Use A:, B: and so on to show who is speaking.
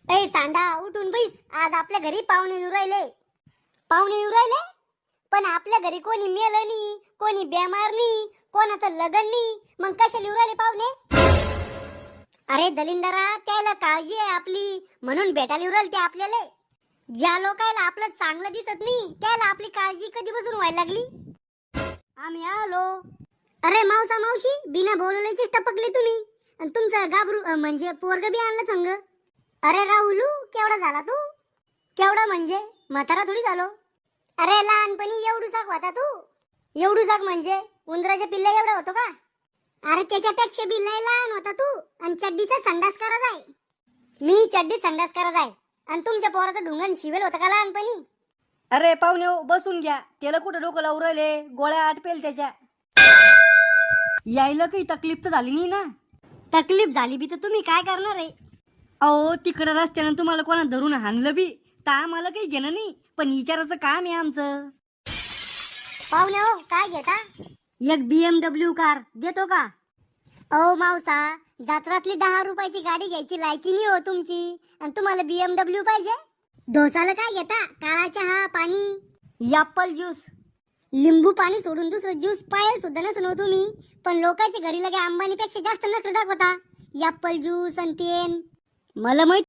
A: ए सांडा उठून बैस. आज आपल्या घरी पाहुणे येऊ राहिले. पाहुणे येऊ राहिले पण आपल्या घरी कोणी मेलं नाही, कोणी बेमार नाही, कोणाचं लग्न नाही. मग कशाला येऊ राहिले पाहुणे? अरे दलिंदरा, त्याला काळजी आहे आपली म्हणून भेटायला येऊ राहिले ते आपल्याला. ज्या लोकांना आपलं चांगलं दिसत नाही त्याला आपली काळजी कधीपासून व्हायला लागली. आम्ही आलो. अरे मावसा मावशी, बिना बोलवल्याचीच टपकले तुम्ही. आणि तुमचं गाबरू म्हणजे पोरग बी आणलं संग. अरे राहुलू, केवढा झाला तू? केवढा म्हणजे म्हातारा थोडी झालो. अरे लहानपणी एवढूसाक होता तू. एवढूसाक म्हणजे उंदराच्या पिल्ला एवढा होतो का? अरे त्याच्यापेक्षा बी लय लहान होता तू. आणि चड्डीचा संडास करत आहे. मी चड्डीत संडास करत आहे आणि तुमच्या पोराचं ढुंगण शिवेल होतं का लहानपणी?
B: अरे पाहुणे बसून घ्या. त्याला कुठं डोकं लावून राहिले, गोळ्या आटपेल त्याच्या. यायला काही तकलीफ तर झाली नाही ना?
A: तकलीफ झाली बी तर तुम्ही काय करणार आहे?
B: अहो तिकडं रस्त्यानं तुम्हाला कोणा धरून हाणलं बी तर आम्हाला काही घेणं नाही, पण विचाराचं काम आहे आमचं.
A: पाहुणे हो, काय घेता? एक BMW कार देतो का? ओ मावसा, जत्रातली 10 रुपयाची गाडी घ्यायची लायकी नाही हो तुमची. आणि तुम्हाला BMW पाहिजे? डोसाला काय घेता? काळा चहा, पाणी, ॲपल ज्यूस. लिंबू पाणी सोडून दुसरं ज्यूस पायल सुद्धा नसून हो तुम्ही. पण लोकांच्या घरी लगे अंबानीपेक्षा जास्त नखरे दाखवता. ॲपल ज्यूस आणि तेन. मला माहित